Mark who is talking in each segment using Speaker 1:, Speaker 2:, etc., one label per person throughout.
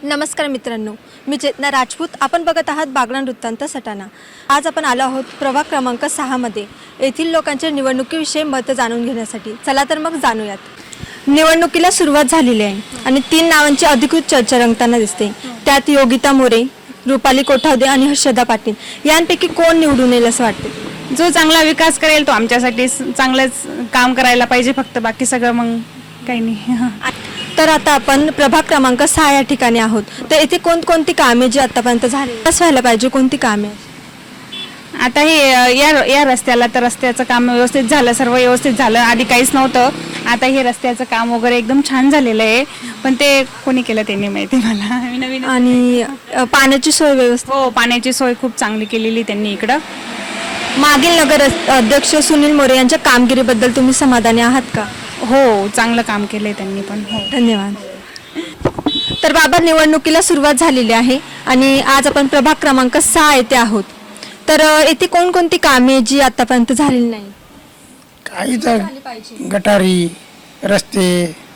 Speaker 1: नमस्कार मित्रांनो, मी चेतना राजपूत. आपण बघत आहात बागलाण वृत्तांत सटाणा. आज आपण आलो आहोत प्रभाग क्रमांक 6 मध्ये येथील लोकांच्या निवडणुकीविषयी मत जाणून घेण्यासाठी. चला तर मग जाणूयात. निवडणुकीला सुरुवात झालेली आहे आणि 3 नावांची अधिकृत चर्चा रंगताना दिसते. त्यात योगिता मोरे, रुपाली कोठावदे आणि हर्षदा पाटील यांपैकी कोण निवडून येईल असं वाटते?
Speaker 2: जो चांगला विकास करेल तो आमच्यासाठी चांगलंच काम करायला पाहिजे, फक्त बाकी सगळं मग काही नाही.
Speaker 1: तर आता आपण प्रभाग क्रमांक 6 या ठिकाणी आहोत. तर येथे कोणकोणती कामे जी आतापर्यंत झाली कसं व्हायला पाहिजे, कोणती कामे?
Speaker 2: आता हे या रस्त्याला तर रस्त्याचं काम व्यवस्थित झालं, सर्व व्यवस्थित झालं. आधी काहीच नव्हतं, आता हे रस्त्याचं काम वगैरे एकदम छान झालेलं आहे. पण ते कोणी केलं ते नाही माहिती मला. नवीन
Speaker 1: आणि पाण्याची सोय व्यवस्थित?
Speaker 2: हो, पाण्याची सोय खूप चांगली केलेली त्यांनी इकडं.
Speaker 1: मागील नगर अध्यक्ष सुनील मोरे यांच्या कामगिरीबद्दल तुम्ही समाधानी आहात का?
Speaker 2: हो, चांगलं काम केलंय त्यांनी पण. हो,
Speaker 1: धन्यवाद. तर बाबा, निवडणुकीला सुरुवात झालेली आहे आणि आज आपण प्रभाग क्रमांक 6 येथे आहोत. तर येथे कोणकोणती कामे जी आतापर्यंत झालेली नाही?
Speaker 3: काही तर गटारी, रस्ते,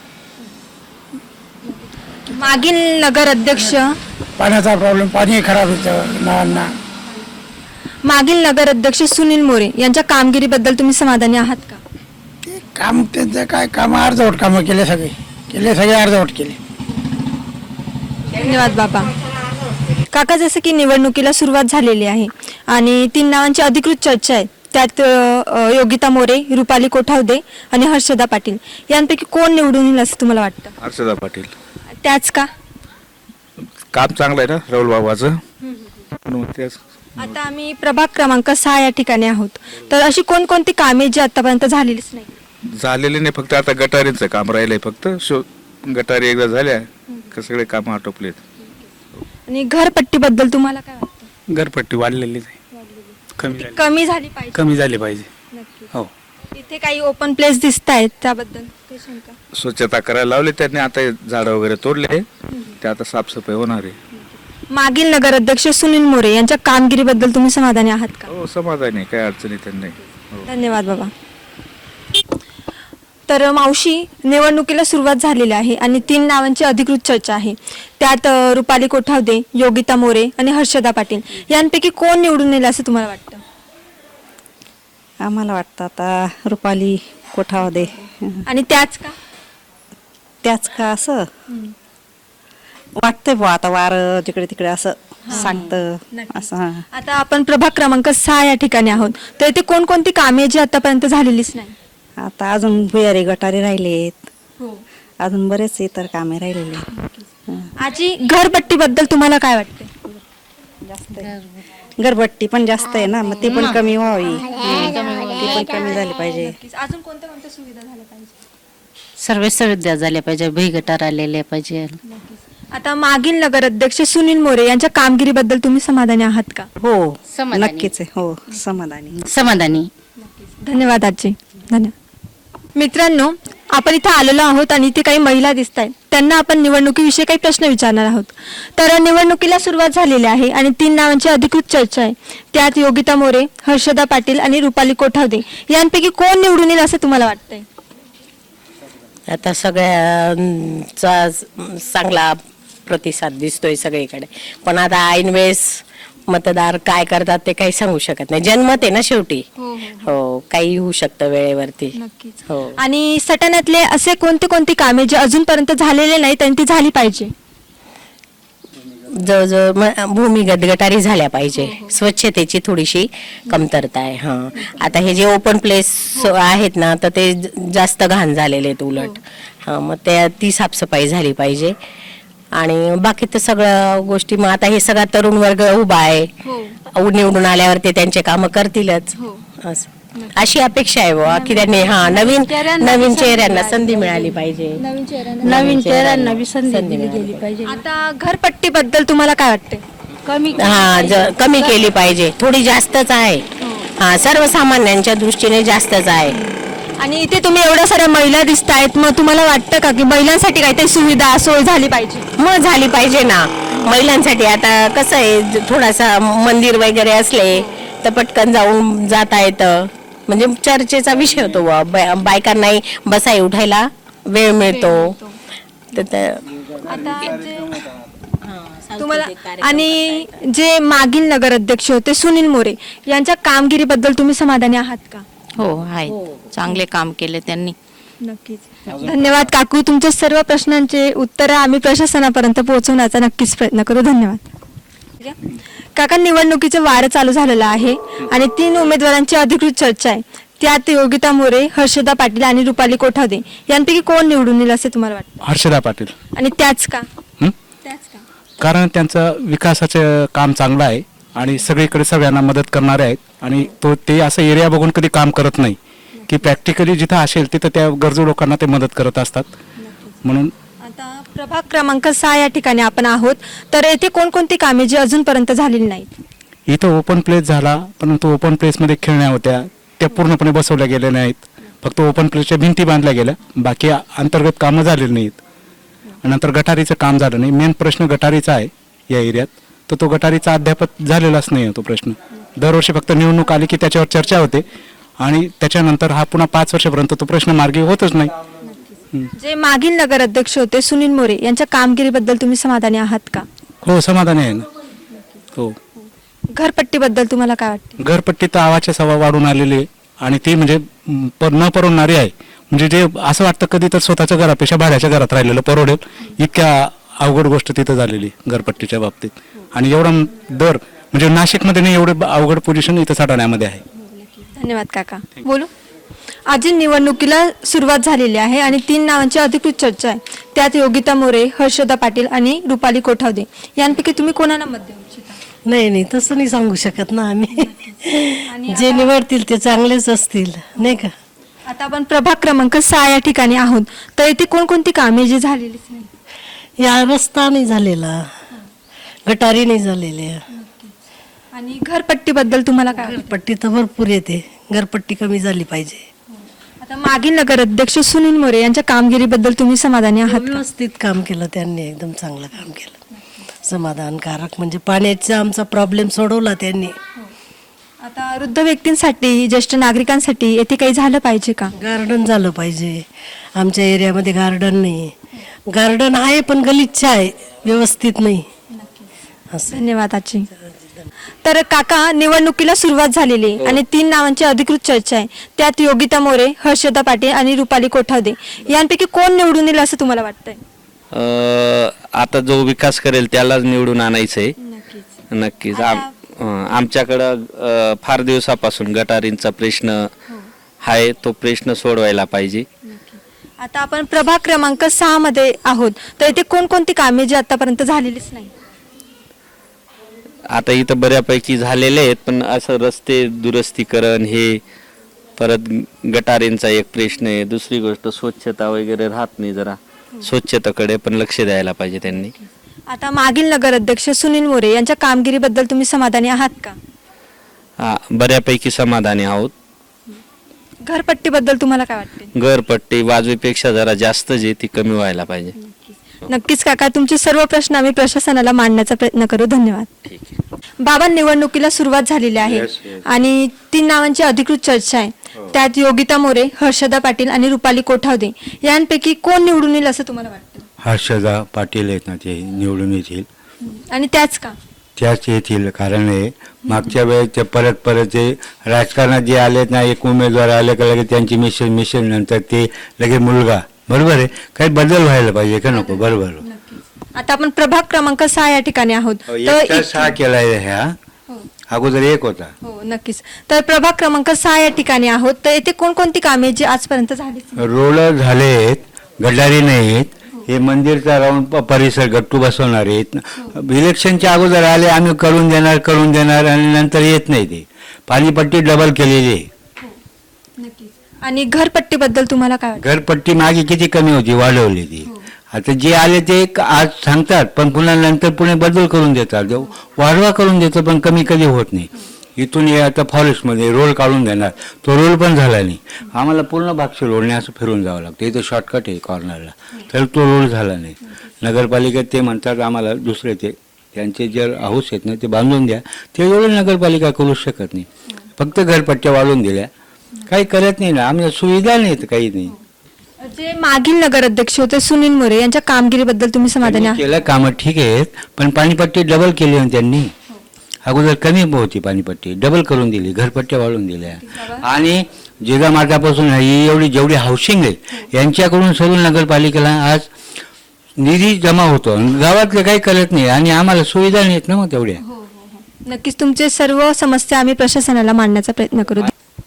Speaker 1: मागील नगर अध्यक्ष
Speaker 3: पाण्याचा प्रॉब्लेम, पाणी खराब होतं नळांना.
Speaker 1: मागील नगर अध्यक्ष सुनील मोरे यांच्या कामगिरीबद्दल तुम्ही समाधानी आहात का?
Speaker 3: ते काम त्यांचं काय काम अर्धवट कामं केले सगळे अर्धवट केले.
Speaker 1: धन्यवाद बाबा. काका, जसं की निवडणुकीला सुरुवात झालेली आहे आणि 3 नावांची अधिकृत चर्चा आहे. त्यात योगिता मोरे, रुपाली कोठावदे आणि हर्षदा पाटील यांपैकी कोण निवडून येईल असं तुम्हाला वाटतं?
Speaker 4: हर्षदा पाटील.
Speaker 1: त्याच का?
Speaker 4: काम चांगलं आहे ना राहुल बाबाचं, म्हणून तेच.
Speaker 1: आता आम्ही प्रभाग क्रमांक 6 या ठिकाणी आहोत. तर अशी कोणकोणती कामे जी आतापर्यंत झालेलीच नाही?
Speaker 4: झालेले नाही, फक्त आता गटारींचं काम राहिलंय. फक्त गटारी एकदा झाल्या का सगळे काम आटोपलेत.
Speaker 1: आणि घरपट्टीबद्दल तुम्हाला काय वाटतं?
Speaker 5: घरपट्टी वाढलेलीच आहे,
Speaker 1: कमी झाली पाहिजे.
Speaker 5: कमी झाली पाहिजे.
Speaker 1: नक्की.
Speaker 5: हो,
Speaker 1: इथे काही ओपन प्लेस दिसत आहेत, त्याबद्दल काही शंका?
Speaker 4: स्वच्छता करायला लावली त्यांनी, आता झाडं वगैरे तोडले, ते आता साफसफाई होणार आहे.
Speaker 1: मागील नगर अध्यक्ष सुनील मोरे यांच्या कामगिरीबद्दल तुम्ही समाधानी आहात का?
Speaker 4: हो, समाधानी आहे, काही अडचणी त्यांनी. हो.
Speaker 1: धन्यवाद बाबा. तर मावशी, निवडणुकीला सुरुवात झालेली आहे आणि 3 नावांची अधिकृत चर्चा आहे. त्यात रुपाली कोठावदे, योगिता मोरे आणि हर्षदा पाटील यांपैकी कोण निवडून येईल असं तुम्हाला वाटतं?
Speaker 6: आम्हाला वाटतं आता रुपाली कोठावदे.
Speaker 1: आणि त्याच का?
Speaker 6: असं वाटतंय बुवा. आता वार जिकडे तिकडे असं सांगतं असं.
Speaker 1: आता आपण प्रभाग क्रमांक 6 या ठिकाणी आहोत. तर इथे कोणकोणती कामे जी आतापर्यंत झालेलीच नाही?
Speaker 6: आता अजून भुयारी गटारी राहिलेत, अजून बरेच इतर कामे राहिलेली आहेत.
Speaker 1: आजी, घरपट्टीबद्दल तुम्हाला काय वाटते?
Speaker 6: घरपट्टी पण जास्त आहे ना, मग ती पण कमी व्हावी. ती पण कमी झाली पाहिजे.
Speaker 1: अजून कोणत्या कोणत्या सुविधा झाल्या पाहिजे?
Speaker 7: सर्व सुविधा झाल्या पाहिजे, भुईगटार आलेले पाहिजे.
Speaker 1: आता मागील नगर अध्यक्ष सुनील मोरे यांच्या कामगिरीबद्दल तुम्ही समाधानी आहात का?
Speaker 6: हो,
Speaker 7: समाधानी.
Speaker 6: नक्कीच आहे. हो,
Speaker 7: समाधानी.
Speaker 1: धन्यवाद आजी. धन्यवाद. मित्रांनो, आपण इथे आलेलो आहोत आणि इथे काही महिला दिसत आहेत. त्यांना आपण निवडणुकीविषयी काही प्रश्न विचारणार आहोत. तर निवडणुकीला सुरुवात झालेली आहे आणि 3 नावांची अधिकृत चर्चा आहे. त्यात योगिता मोरे, हर्षदा पाटील आणि रुपाली कोठावदे यांपैकी कोण निवडून येईल असं तुम्हाला वाटतंय?
Speaker 8: आता सगळ्यांचा चांगला प्रतिसाद दिसतोय सगळीकडे, पण आता ऐन वेळेस मतदार काय करतात ते काही सांगू शकत नाही. जनमत आहे ना शेवटी. हो, काही होऊ शकतं वेळेवरती. हो.
Speaker 1: आणि सटाण्यातले असे कोणती कामे जे अजूनपर्यंत झालेले नाहीत आणि ती झाली पाहिजे?
Speaker 8: जवळजवळ भूमिगत गटारी झाल्या पाहिजे. स्वच्छतेची थोडीशी कमतरता आहे. हा, आता हे जे ओपन प्लेस आहेत ना, तर ते जास्त घाण झालेले आहेत उलट. हा, मग ती साफसफाई झाली पाहिजे. आणि बाकी तर सगळ्या गोष्टी, मग आता हे सगळा तरुण वर्ग उभा आहे, निवडून आल्यावर ते त्यांचे कामं करतीलच, अशी अपेक्षा आहे बुवा की त्यांनी नवीन चेहऱ्यांना संधी मिळाली पाहिजे.
Speaker 7: नवीन चेहऱ्यांना संधी दिली पाहिजे.
Speaker 1: आता घरपट्टीबद्दल तुम्हाला काय वाटते?
Speaker 8: कमी केली पाहिजे, थोडी जास्तच आहे. हा, सर्वसामान्यांच्या दृष्टीने जास्तच आहे.
Speaker 1: आणि इथे तुम्ही एवढ्या साऱ्या महिला दिसत आहेत, मग तुम्हाला वाटतं का की महिलांसाठी काहीतरी सुविधा सोय झाली पाहिजे?
Speaker 8: मग झाली पाहिजे ना महिलांसाठी. आता कसं आहे, थोडासा मंदिर वगैरे असले तर पटकन जाता येतं, म्हणजे चर्चेचा विषय होतो. बायकांनाही बसाई उठायला वेळ मिळतो. तर
Speaker 1: आता तुम्हाला आणि जे मागील नगर अध्यक्ष होते सुनील मोरे यांच्या कामगिरीबद्दल तुम्ही समाधानी आहात का?
Speaker 7: हो आहे, चांगले काम केले त्यांनी.
Speaker 1: नक्कीच. धन्यवाद काकू. तुमच्या सर्व प्रश्नांचे उत्तरं आम्ही प्रशासनापर्यंत पोहोचवण्याचा नक्कीच प्रयत्न करू. धन्यवाद. काका, निवडणुकीचं वारं चालू झालेलं आहे आणि 3 उमेदवारांची अधिकृत चर्चा आहे. त्यात योगिता मोरे, हर्षदा पाटील आणि रुपाली कोठावदे यांपैकी कोण निवडून येईल असे तुम्हाला वाटतं?
Speaker 5: हर्षदा पाटील.
Speaker 1: आणि त्याच का?
Speaker 5: हं?
Speaker 1: त्याच का?
Speaker 5: कारण त्यांचं विकासाचं काम चांगलं आहे आणि सगळीकडे सगळ्यांना मदत करणारे आहेत आणि ते असं एरिया बघून कधी काम करत नाही की प्रॅक्टिकली जिथं असेल तिथं त्या गरजू लोकांना ते मदत करत असतात. म्हणून
Speaker 1: आता प्रभाग क्रमांक 6 या ठिकाणी आपण आहोत, तर येथे कोणकोणती कामे जी अजूनपर्यंत झालेली नाहीत?
Speaker 5: इथं ओपन प्लेस झाला, परंतु ओपन प्लेसमध्ये खेळण्या होत्या त्या पूर्णपणे बसवल्या गेल्या नाहीत. फक्त ओपन प्लेसच्या भिंती बांधल्या गेल्या, बाकी अंतर्गत कामं झालेली नाहीत. नंतर गटारीचं काम झालं नाही. मेन प्रश्न गटारीचा आहे या एरियात, तर तो गटारीचा अद्याप झालेलाच नाही आहे तो प्रश्न. दरवर्षी फक्त निवडणूक आली की त्याच्यावर चर्चा होते आणि त्याच्यानंतर हा पुन्हा 5 वर्षापर्यंत तो प्रश्न मार्गी होतच नाही.
Speaker 1: जे मागील नगर अध्यक्ष होते सुनील मोरे यांच्या कामगिरीबद्दल तुम्ही समाधानी आहात का?
Speaker 5: हो, समाधानी आहे ना. हो.
Speaker 1: घरपट्टीबद्दल तुम्हाला काय वाटते?
Speaker 5: घरपट्टी तर आवाच्या सवा वाढून आलेली आहे आणि ती म्हणजे न परवडणारी आहे. म्हणजे जे असं वाटतं कधी तर स्वतःच्या घरापेक्षा भाड्याच्या घरात राहिलेलं परवडेल इतक्या अवघड गोष्ट तिथं झालेली घरपट्टीच्या बाबतीत. आणि एवढा दर म्हणजे नाशिकमध्ये नाही एवढं अवघड पोझिशन इथं साठवण्यामध्ये आहे.
Speaker 1: धन्यवाद काका. बोलू. आज निवडणुकीला सुरुवात झालेली आहे आणि 3 नावांची अधिकृत चर्चा आहे. त्यात योगिता मोरे, हर्षदा पाटील आणि रुपाली कोठावदे यांपैकी तुम्ही कोणाला मत देऊ इच्छिता?
Speaker 9: नाही तसं नाही सांगू शकत ना आम्ही. जे निवडतील ते चांगलेच असतील, नाही का?
Speaker 1: आता आपण प्रभाग क्रमांक 6 या ठिकाणी आहोत, तर इथे कोणकोणती कामे जी झालेलीच नाही?
Speaker 9: या रस्ता नाही झालेला, गटारी नाही झालेल्या.
Speaker 1: आणि घरपट्टीबद्दल तुम्हाला काय वाटतं?
Speaker 9: घरपट्टी तर भरपूर येते, घरपट्टी कमी झाली पाहिजे.
Speaker 1: आता मागील नगर अध्यक्ष सुनील मोरे यांच्या कामगिरीबद्दल तुम्ही समाधानी आहात का?
Speaker 9: व्यवस्थित काम केलं त्यांनी, एकदम चांगलं काम केलं, समाधानकारक. म्हणजे पाण्याचा आमचा प्रॉब्लेम सोडवला त्यांनी.
Speaker 1: आता वृद्ध व्यक्तींसाठी, ज्येष्ठ नागरिकांसाठी येथे काही झालं पाहिजे का?
Speaker 9: गार्डन झालं पाहिजे. आमच्या एरियामध्ये गार्डन नाही. गार्डन आहे पण गलिच्छ आहे, व्यवस्थित नाही. असं.
Speaker 1: धन्यवाद आजी. तर काका, निवडणुकीला सुरुवात झालेली आहे आणि 3 नावांची अधिकृत चर्चा आहे. त्यात योगिता मोरे, हर्षदा पाटील आणि रुपाली कोठावदे यांपैकी कोण निवडून येईल असं तुम्हाला वाटतंय?
Speaker 10: आता जो विकास करेल त्यालाच निवडून आणायचंय. नक्कीच. आमच्याकडं फार दिवसापासून गटारींचा प्रश्न आहे, तो प्रश्न सोडवायला पाहिजे.
Speaker 1: आता आपण प्रभाग क्रमांक 6 मध्ये आहोत, तर इथे कोणकोणती कामे जी आतापर्यंत झालेलीच नाही?
Speaker 10: आता इथं बऱ्यापैकी झालेले आहेत, पण असं रस्ते दुरुस्तीकरण हे, परत गटारींचा एक प्रश्न आहे. दुसरी गोष्ट स्वच्छता वगैरे राहत नाही, जरा स्वच्छतेकडे पण लक्ष द्यायला पाहिजे त्यांनी.
Speaker 1: आता मागील नगर अध्यक्ष सुनील मोरे यांच्या कामगिरीबद्दल तुम्ही समाधानी आहात का?
Speaker 10: हा, बऱ्यापैकी समाधानी आहोत.
Speaker 1: घरपट्टीबद्दल तुम्हाला काय वाटते?
Speaker 10: घरपट्टी वाजवीपेक्षा जरा जास्त जे ती कमी व्हायला पाहिजे.
Speaker 1: नक्कीच काका, तुमचे सर्व प्रश्न आम्ही प्रशासनाला मांडण्याचा प्रयत्न करू. धन्यवाद. बाबा, निवडणुकीला सुरुवात झालेली आहे आणि 3 नावांची अधिकृत चर्चा आहे. त्यात योगिता मोरे, हर्षदा पाटील आणि रुपाली कोठावदे यांपैकी कोण निवडून येईल असं तुम्हाला वाटतं?
Speaker 11: हर्षदा पाटील आहेत ना, ते निवडून येतील.
Speaker 1: आणि त्याच का?
Speaker 11: त्याच येतील. कारण हे मागच्या वेळेस ते परत ते राजकारणात जे आलेत ना, एक उमेदवार आले का लगेच त्यांची मिशन नंतर ते लगेच मुलगा. बरोबर आहे, काही बदल व्हायला पाहिजे का नको? बरोबर.
Speaker 1: आता आपण प्रभाग क्रमांक 6 या ठिकाणी आहोत. तर
Speaker 11: 6 केलाय ह्या, अगोदर 1 होता.
Speaker 1: हो, नक्कीच. तर प्रभाग क्रमांक 6 या ठिकाणी आहोत, तर येथे कोणकोणती कामे जी आजपर्यंत झाली?
Speaker 11: रोड झालेत, गटारी नाहीत. हे मंदिरचा राऊंड परिसर गट्टू बसवणार आहेत. इलेक्शनच्या अगोदर आले, आम्ही करून देणार आणि नंतर येत नाही. ते पाणीपट्टी डबल केलेली आहे.
Speaker 1: आणि घरपट्टीबद्दल तुम्हाला काय वाटतं?
Speaker 11: घरपट्टी मागे किती कमी होती, वाढवली ती. आता जे आले ते आज सांगतात, पण पुन्हा नंतर पुणे बदल करून देतात, वाढवा करून देतो, पण कमी कधी होत नाही. इथून हे आता फॉरेस्टमध्ये रोल काढून देणार, तो रोल पण झाला नाही. आम्हाला पूर्ण भागशी रोडने असं फिरून जावं लागतं. इथं शॉर्टकट आहे कॉर्नरला, तर तो रोल झाला नाही. नगरपालिकेत ते म्हणतात आम्हाला दुसरे त्यांचे जे हाऊस आहेत ना ते बांधून द्या. ते एवढं नगरपालिका करू शकत नाही. फक्त घरपट्ट्या वाढवून दिल्या, काही करत नाही ना. आम्हाला सुविधा नाहीत, काही नाही.
Speaker 1: जे मागील नगर अध्यक्ष होते सुनील मोरे यांच्या कामगिरीबद्दल तुम्ही समाधानी आहात?
Speaker 11: केलं कामं ठीक आहेत, पण पाणीपट्टी डबल केली ना त्यांनी. अगोदर कमी होती पाणीपट्टी, डबल करून दिली, घरपट्ट्या वाढवून दिल्या. आणि जिजा मार्गापासून ही एवढी जेवढी हाऊसिंग आहे यांच्याकडून सरून नगरपालिकेला आज निधी जमा होतो. गावातले काही करत नाही आणि आम्हाला सुविधा नाहीत ना मग तेवढ्या.
Speaker 1: नक्कीच तुमचे सर्व समस्या आम्ही प्रशासनाला मांडण्याचा प्रयत्न करू.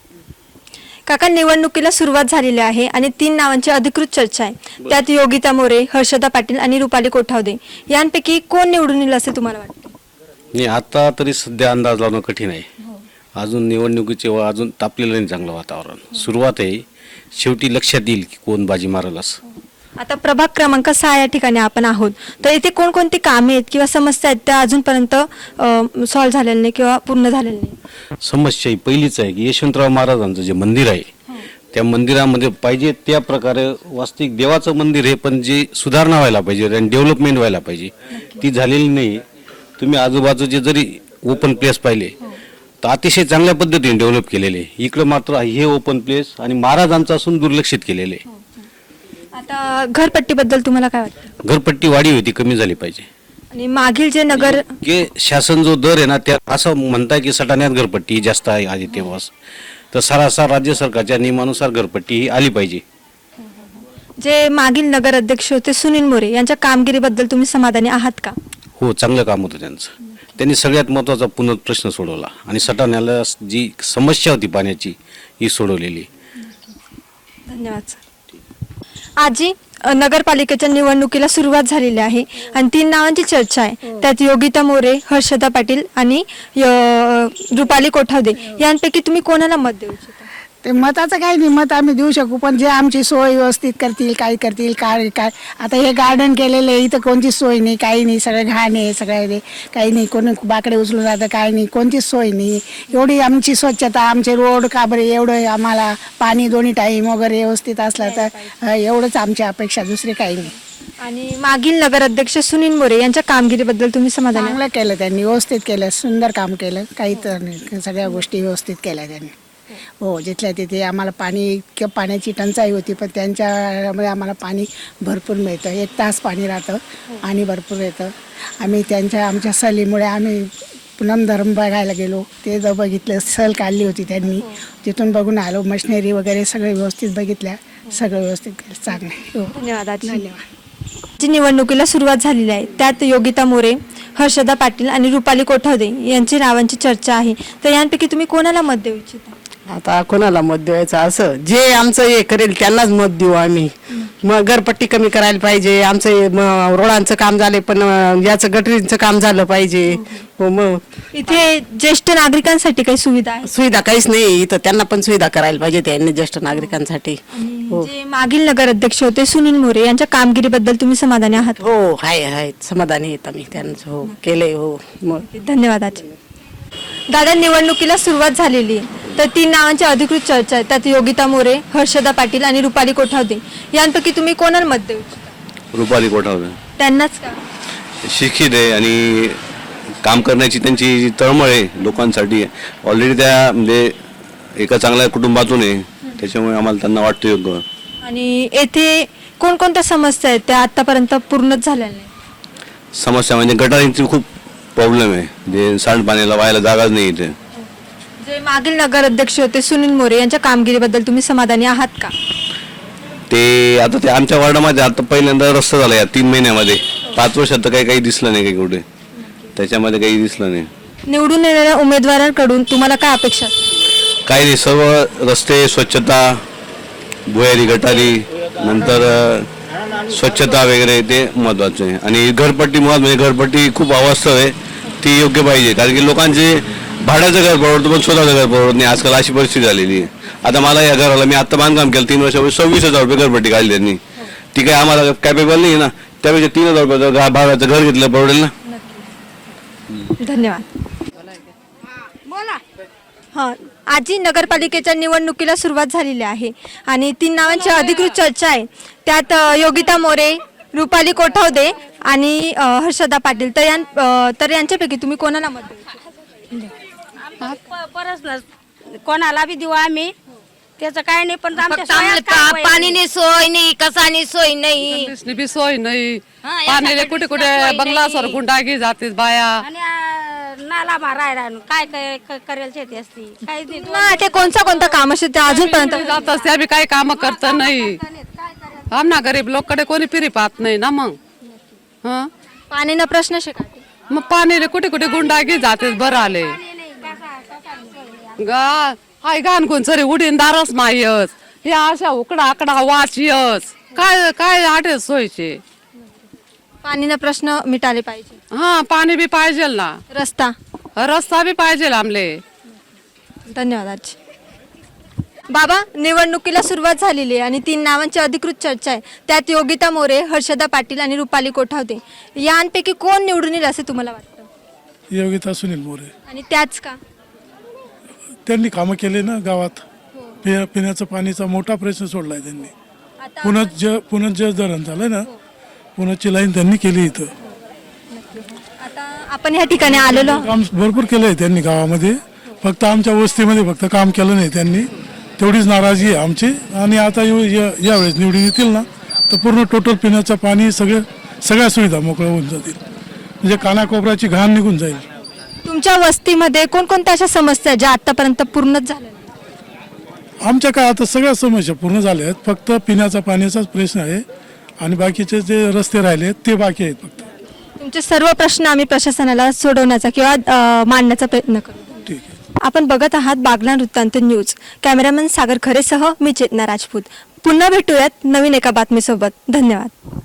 Speaker 1: काका, निवडणुकीला सुरुवात झालेली आहे आणि 3 नावांची अधिकृत चर्चा आहे. त्यात योगिता मोरे, हर्षदा पाटील आणि रुपाली कोठावदे यांपैकी कोण निवडून येईल असे तुम्हाला वाटते?
Speaker 12: नाही, आता तरी सध्या अंदाज लावणं कठीण आहे. अजून निवडणुकीचे अजून तापलेलं नाही चांगलं वातावरण. सुरुवात आहे, शेवटी लक्षात येईल की कोण बाजी मारल असं.
Speaker 1: आता प्रभाग क्रमांक 6 या ठिकाणी आपण आहोत, तर इथे कोणकोणती कामे आहेत किंवा समस्या आहेत त्या अजूनपर्यंत सॉल्व्ह झालेल्या नाही किंवा पूर्ण झालेल्या नाही?
Speaker 12: समस्या ही पहिलीच आहे की यशवंतराव महाराजांचं जे मंदिर आहे त्या मंदिरामध्ये पाहिजे त्या प्रकारे वास्तविक देवाचं मंदिर आहे, पण जी सुधारणा व्हायला पाहिजे आणि डेव्हलपमेंट व्हायला पाहिजे ती झालेली नाही. तुम्ही आजूबाजूचे जरी ओपन प्लेस पाहिले तर अतिशय चांगल्या पद्धतीने डेव्हलप केलेले. इकडं मात्र हे ओपन प्लेस आणि महाराजांचं असून दुर्लक्षित केलेले.
Speaker 1: आता घरपट्टीबद्दल तुम्हाला काय वाटतं?
Speaker 12: घरपट्टी वाढी होती, कमी झाली पाहिजे.
Speaker 1: आणि मागील जे नगर
Speaker 12: जे शासन जो दर आहे ना त्या असं म्हणताय की सटाण्यात घरपट्टी जास्त आहे आधी तेव्हाच, तर सरासर राज्य सरकारच्या नियमानुसार घरपट्टी ही आली पाहिजे.
Speaker 1: जे मागील नगर अध्यक्ष होते सुनील मोरे यांच्या कामगिरीबद्दल तुम्ही समाधानी आहात का?
Speaker 12: हो, चांगलं काम होतं त्यांचं. त्यांनी सगळ्यात महत्त्वाचा पुनर्प्रश्न सोडवला आणि सटाण्याला जी समस्या होती पाण्याची ही सोडवलेली.
Speaker 1: धन्यवाद सर. आजी, नगरपालिकेच्या निवडणुकीला सुरुवात झालेली आहे आणि 3 नावांची चर्चा आहे. त्यात योगिता मोरे, हर्षदा पाटील आणि रुपाली कोठावदे यांपैकी तुम्ही कोणाला मत देऊ इच्छिता?
Speaker 3: ते मताचं काही नाही, मत आम्ही देऊ शकू, पण जे आमची सोय व्यवस्थित करतील, काय करतील, काय काय. आता हे गार्डन केलेलं आहे, इथं कोणतीच सोय नाही, काही नाही, सगळं घाण आहे, सगळं काही नाही, कोणी बाकडे उचलून जातं, काही नाही, कोणतीच सोय नाही. एवढी आमची स्वच्छता, आमचे रोड काबरे, एवढं आम्हाला पाणी दोन्ही टाईम वगैरे व्यवस्थित असलं तर एवढंच आमची अपेक्षा, दुसरी काही नाही.
Speaker 1: आणि मागील नगर अध्यक्ष सुनील मोरे यांच्या कामगिरीबद्दल तुम्ही समाधानी आहात?
Speaker 3: चांगलं केलं त्यांनी, व्यवस्थित केलं, सुंदर काम केलं, काही तर नाही, सगळ्या गोष्टी व्यवस्थित केल्या त्यांनी. हो, जिथल्या तिथे आम्हाला किंवा पाण्याची टंचाई होती, पण त्यांच्यामुळे आम्हाला पाणी भरपूर मिळतं. 1 तास पाणी राहतं आणि भरपूर येतं. आमच्या सहलीमुळे आम्ही पुनमधर्म बघायला गेलो, ते जर बघितलं, सहल काढली होती त्यांनी, तिथून बघून आलो. मशिनरी वगैरे सगळे व्यवस्थित बघितल्या, सगळं व्यवस्थित केलं, चांगलं. हो,
Speaker 1: धन्यवाद आजी. जी निवडणुकीला सुरुवात झालेली आहे त्यात योगिता मोरे, हर्षदा पाटील आणि रुपाली कोठावदे यांची नावांची चर्चा आहे, तर यांपैकी तुम्ही कोणाला मत देऊ इच्छिता?
Speaker 9: आता कोणाला मत द्यायचं, असं जे आमचं हे करेल त्यांनाच मत देऊ आम्ही. मग घरपट्टी कमी करायला पाहिजे, आमचं रोडांचं काम झाले, पण याचं गटरीचं काम झालं पाहिजे. हो, मग
Speaker 1: इथे ज्येष्ठ नागरिकांसाठी काही सुविधा आहे?
Speaker 9: सुविधा काहीच नाही इथं, त्यांना पण सुविधा करायला पाहिजे त्यांनी, ज्येष्ठ नागरिकांसाठी. हो
Speaker 1: जे मागील नगर अध्यक्ष होते सुनील मोरे यांच्या कामगिरीबद्दल तुम्ही समाधानी आहात?
Speaker 9: हो, आहे समाधानी आहेत आम्ही त्यांचं. हो, केलंय. हो, मग
Speaker 1: धन्यवाद आजी. दादा, निवडणुकीला सुरुवात झालेली आहे, तर 3 नावांची अधिकृत चर्चा आहे. त्यात योगिता मोरे, हर्षदा पाटील आणि रुपाली कोठावदे यांपैकी तुम्ही कोणाला मत देऊ इच्छिता?
Speaker 12: रुपाली कोठावदे.
Speaker 1: त्यांनाच का?
Speaker 12: शिक्षित आहे आणि काम करण्याची त्यांची जी तळमळ आहे लोकांसाठी, ऑलरेडी त्या म्हणजे एका चांगल्या कुटुंबातून आहे, त्याच्यामुळे आम्हाला त्यांना वाटतं योग्य.
Speaker 1: आणि येथे कोणकोणत्या समस्या आहेत त्या आतापर्यंत पूर्णच झालेल्या नाही?
Speaker 12: समस्या म्हणजे गटारींची खूप प्रॉब्लेम आहे, जे सांडपाण्याला व्हायला जागाच नाही इथे.
Speaker 1: जे मागील नगर अध्यक्ष होते सुनील मोरे यांच्या कामगिरीबद्दल तुम्ही समाधानी आहात का?
Speaker 12: ते आता ते आमच्या वॉर्डामध्ये आता पहिल्यांदा रस्ता झाला या 3 महिन्यामध्ये. 5 वर्षात तर काही दिसलं नाही, काही कुठे त्याच्यामध्ये काही दिसलं नाही.
Speaker 1: निवडून येणाऱ्या उमेदवारांकडून तुम्हाला काय अपेक्षा असते?
Speaker 12: काही नाही, सर्व रस्ते, स्वच्छता, भुयारी गटारी, नंतर स्वच्छता वगैरे ते महत्वाचं आहे. आणि घरपट्टी मुळात म्हणजे घरपट्टी खूप अवास्तव आहे, ती योग्य पाहिजे. कारण की लोकांचे भाड्याचं घर परवडतं पण स्वतःचं घर परवडत नाही, आजकाल अशी परिस्थिती झालेली आहे. आता मला या घराला मी आता बांधकाम केलं 3 वर्षापूर्वी, 26,000 रुपये घरपट्टी काढली त्यांनी. ती काही आम्हाला कॅपेबल नाही ना, त्यापेक्षा 3,000 रुपयाचं भाड्याचं घर घेतलं परवडेल ना.
Speaker 1: धन्यवाद. हां आजी, नगरपालिकेच्या निवडणुकीला सुरुवात झालेली आहे आणि 3 नावांची अधिकृत चर्चा आहे. त्यात योगिता मोरे, रुपाली कोठावदे आणि हर्षदा पाटील, तर यांच्यापैकी तुम्ही कोणाला मत देऊ?
Speaker 7: कोणाला बी देऊ आम्ही, त्याचं काय नाही पण आमच्या
Speaker 13: फक्त
Speaker 7: सोयात काय होईल?
Speaker 13: पाणीनी सोय नाही कसानी सोय नाही
Speaker 9: बी सोय नाही
Speaker 7: हा,
Speaker 9: पाण्याला
Speaker 7: एखाद्या
Speaker 9: कुठे कुठे
Speaker 7: दिवसात सोय
Speaker 9: बंगलासवर
Speaker 7: नाही.
Speaker 9: गुंडागी जाते बाया
Speaker 7: आणि नाला मारायला काय काय करेल शेती असती काहीच नाही
Speaker 1: ना ते कोणता काम असे ते अजूनपर्यंत
Speaker 9: जातात त्या बी काही काम करत नाही आमना गरीब लोककडे कोणी फिरी पाहत नाही ना मग हं
Speaker 1: पाणीनं प्रश्न शिका
Speaker 9: मग पाण्याला कुठे कुठे गुंडागी जाते बरं आले हाय घाण कोण सरी उडीन दारस मायस हे अशा उकडा आकडा वाचियस काय काय आठे सोयचे
Speaker 1: पाणीनं प्रश्न मिटाले पाहिजे
Speaker 9: हा पाणी बी पाहिजे ना
Speaker 1: रस्ता
Speaker 9: बी पाहिजे आमले
Speaker 1: धन्यवाद आजी. बाबा निवडणुकीला सुरुवात झालेली आहे आणि 3 नावांची अधिकृत चर्चा आहे. त्यात योगिता मोरे, हर्षदा पाटील आणि रुपाली कोठावते. यांपैकी कोण निवडून येईल असे तुम्हाला वाटतं?
Speaker 14: योगिता सुनील मोरे.
Speaker 1: आणि त्याच का?
Speaker 14: त्यांनी कामं केले ना गावात. पिण्याचं पाणीचा मोठा प्रश्न सोडलाय त्यांनी. पुनर्ज धरण झालंय ना, पुण्याची लाईन त्यांनी केली इथं.
Speaker 1: आता आपण या ठिकाणी आलेलो आहोत.
Speaker 14: काम भरपूर केलंय त्यांनी गावामध्ये. फक्त आमच्या वस्तीमध्ये फक्त काम केलं नाही त्यांनी, तेवढीच नाराजी आहे आमची. आणि आता यावेळेस निवडून येतील ना तर पूर्ण टोटल पिण्याचं पाणी सगळ्या सुविधा मोकळ्या होऊन जातील. म्हणजे कानाकोपऱ्याची घाण निघून जाईल.
Speaker 1: तुमच्या वस्तीमध्ये कोणकोणत्या अशा समस्या आहेत ज्या आतापर्यंत पूर्णच झाल्या नाहीत?
Speaker 14: आमच्या काय आता सगळ्या समस्या पूर्ण झाल्या आहेत. फक्त पिण्याचा पाण्याचाच प्रश्न आहे आणि बाकीचे जे रस्ते राहिले आहेत ते बाकी आहेत. फक्त
Speaker 1: तुमचे सर्व प्रश्न आम्ही प्रशासनाला सोडवण्याचा किंवा मांडण्याचा प्रयत्न करू.
Speaker 14: ठीक आहे.
Speaker 1: आपण बघत आहात बागलाण वृत्तांत न्यूज. कॅमेरामन सागर खरेसह मी चेतना राजपूत. पुन्हा भेटूयात नवीन एका बातमीसोबत. धन्यवाद.